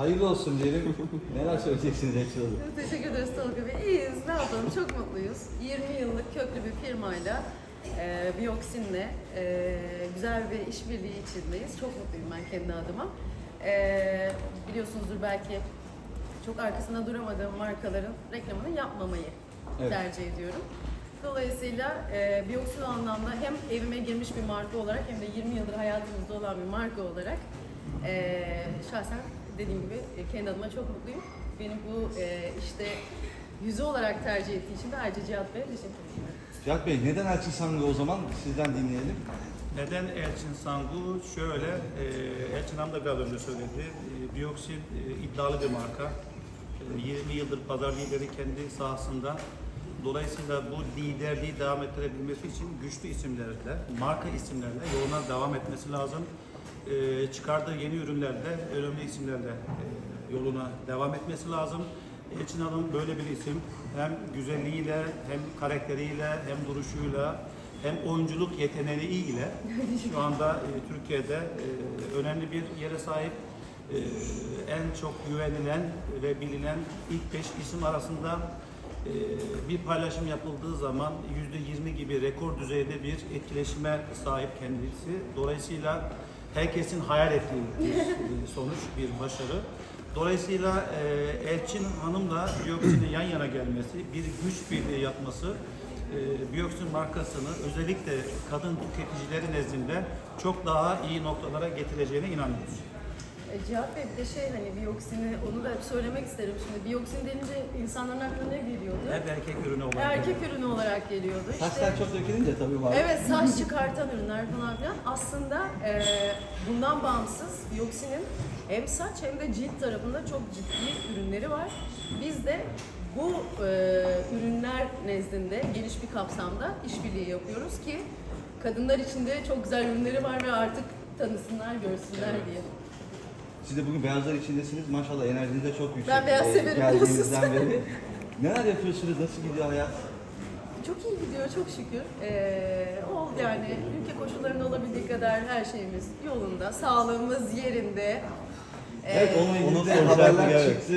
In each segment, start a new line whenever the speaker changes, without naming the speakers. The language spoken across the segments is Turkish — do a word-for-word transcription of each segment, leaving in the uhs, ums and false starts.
Hayırlı olsun diyelim. Neler söyleyeceksiniz Elçin Hanım?
Teşekkür ederiz Tolga Bey. İyiyiz, ne yapalım? Çok mutluyuz. yirmi yıllık köklü bir firmayla, e, Bioxin'le e, güzel bir işbirliği içindeyiz. Çok mutluyum ben kendi adıma. E, biliyorsunuzdur belki çok arkasında duramadığım markaların reklamını yapmamayı
Evet.
tercih ediyorum. Dolayısıyla e, Bioxin o anlamda hem evime girmiş bir marka olarak hem de yirmi yıldır hayatımızda olan bir marka olarak e, şahsen dediğim gibi e, kendi adıma çok mutluyum. Benim bu e, işte yüzü olarak tercih ettiği için de ayrıca Cihat Bey'e teşekkür ederim.
Cihat Bey, neden Elçin Sangu o zaman? Sizden dinleyelim.
Neden Elçin Sangu? Şöyle, e, Elçin Hanım da biraz önce söyledi. E, Bioxin e, iddialı bir marka. E, yirmi yıldır pazar lideri kendi sahasında. Dolayısıyla bu liderliği devam ettirebilmesi için güçlü isimlerle, marka isimlerle yoluna devam etmesi lazım. E, çıkardığı yeni ürünlerle, önemli isimlerle e, yoluna devam etmesi lazım. Elçin Hanım böyle bir isim. Hem güzelliğiyle, hem karakteriyle, hem duruşuyla, hem oyunculuk yeteneğiyle şu anda e, Türkiye'de e, önemli bir yere sahip. E, en çok güvenilen ve bilinen ilk beş isim arasında e, bir paylaşım yapıldığı zaman yüzde yirmi gibi rekor düzeyde bir etkileşime sahip kendisi. Dolayısıyla herkesin hayal ettiği bir sonuç, bir başarı. Dolayısıyla e, Elçin Hanım'la Bioxin'in yan yana gelmesi, bir güç birliği yapması, e, Bioxin markasını özellikle kadın tüketicileri nezdinde çok daha iyi noktalara getireceğine inanıyoruz.
E, Cihat Bey bir de şey hani Bioxin'i onu da hep söylemek isterim şimdi. Bioxin denince insanların aklına ne geliyordu?
Hep erkek ürünü olarak.
Erkek ürünü olarak geliyordu.
Saçlar çok dökülünce tabii var.
Evet, saç çıkartan ürünler falan filan. Aslında e, bundan bağımsız Bioxin'in hem saç hem de cilt tarafında çok ciddi ürünleri var. Biz de bu e, ürünler nezdinde geniş bir kapsamda işbirliği yapıyoruz ki kadınlar için de çok güzel ürünleri var ve artık tanısınlar, görsünler diye.
Siz de bugün beyazlar içindesiniz. Maşallah enerjiniz de çok yüksek.
Ben beyaz
Ee,
severim
Geldiğinizden beri. Neler yapıyorsunuz? Nasıl gidiyor hayat?
Çok iyi gidiyor çok şükür. Ee, oldu yani ülke koşullarında olabildiği kadar her şeyimiz yolunda, sağlığımız yerinde. Ee,
Evet, onunla ilgili
Onu
de
soracaktım,
haberler
evet.
çıktı.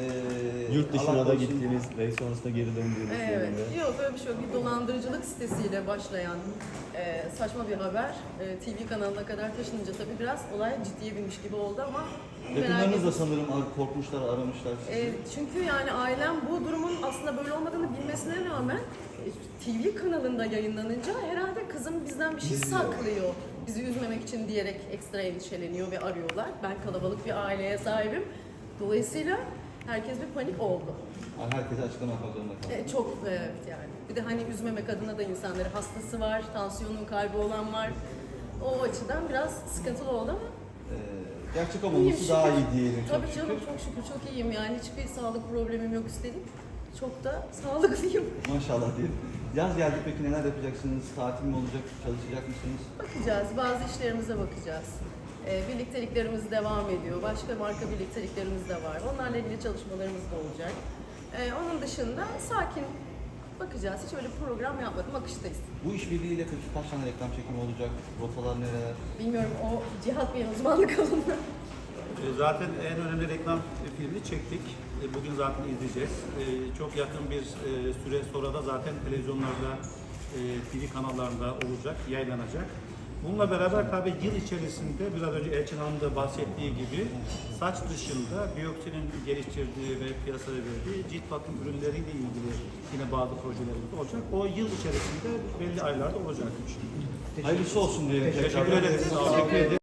Ee,
Yurt dışına
Allah
da
korusun.
gittiğiniz ve sonrasında geri döndüğünüz
Evet,
yerinde.
yok öyle bir şey yok. Bir dolandırıcılık sitesiyle başlayan e, saçma bir haber e, T V kanalına kadar taşınınca tabii biraz olay ciddiye binmiş gibi oldu ama merak
Yakınlarınız da
etmeyin.
sanırım ar- korkmuşlar, aramışlar sizi.
E, çünkü yani ailem bu durumun aslında böyle olmadığını bilmesine rağmen e, T V kanalında yayınlanınca herhalde kızım bizden bir şey
Gizliyor.
saklıyor. Bizi üzmemek için diyerek ekstra endişeleniyor ve arıyorlar. Ben kalabalık bir aileye sahibim. Dolayısıyla herkes bir panik oldu.
Herkese açıklama yapmak zorunda kaldım.
E, çok evet yani. Bir de hani üzmemek adına da insanları hastası var, tansiyonun kaybı olan var. O açıdan biraz sıkıntılı oldu ama
Ee, gerçek
iyiyim
olmaması
şükür.
daha iyi diyelim. çok
Tabii
şükür.
canım çok şükür çok iyiyim yani hiçbir sağlık problemim yok üstelik. Çok da sağlıklıyım.
Maşallah diyelim. Yaz geldi, peki neler yapacaksınız? Tatil mi olacak? Çalışacak mısınız?
Bakacağız, bazı işlerimize bakacağız. E, birlikteliklerimiz devam ediyor. Başka marka birlikteliklerimiz de var. Onlarla ilgili çalışmalarımız da olacak. E, onun dışında sakin bakacağız. Hiç öyle bir program yapmadım. Akıştayız.
Bu işbirliğiyle peki kaç tane reklam çekimi olacak? Rotalar nereler?
Bilmiyorum o Cihat Bey'in uzmanlık alanı.
E, Zaten en önemli reklam filmini çektik. E, Bugün zaten izleyeceğiz. E, Çok yakın bir e, süre sonra da zaten televizyonlarda, e, T V kanallarında olacak, yayınlanacak. Bununla beraber tabii yıl içerisinde biraz önce Elçin Hanım da bahsettiği gibi saç dışında Bioxin'in geliştirdiği ve piyasaya verdiği cilt bakım ürünleriyle ilgili yine bazı projelerimiz olacak. O yıl içerisinde belli aylarda olacak.
Hayırlısı olsun diyelim.
Teşekkür
tekrardan.
ederiz. Sağ olun.
Teşekkür ederim.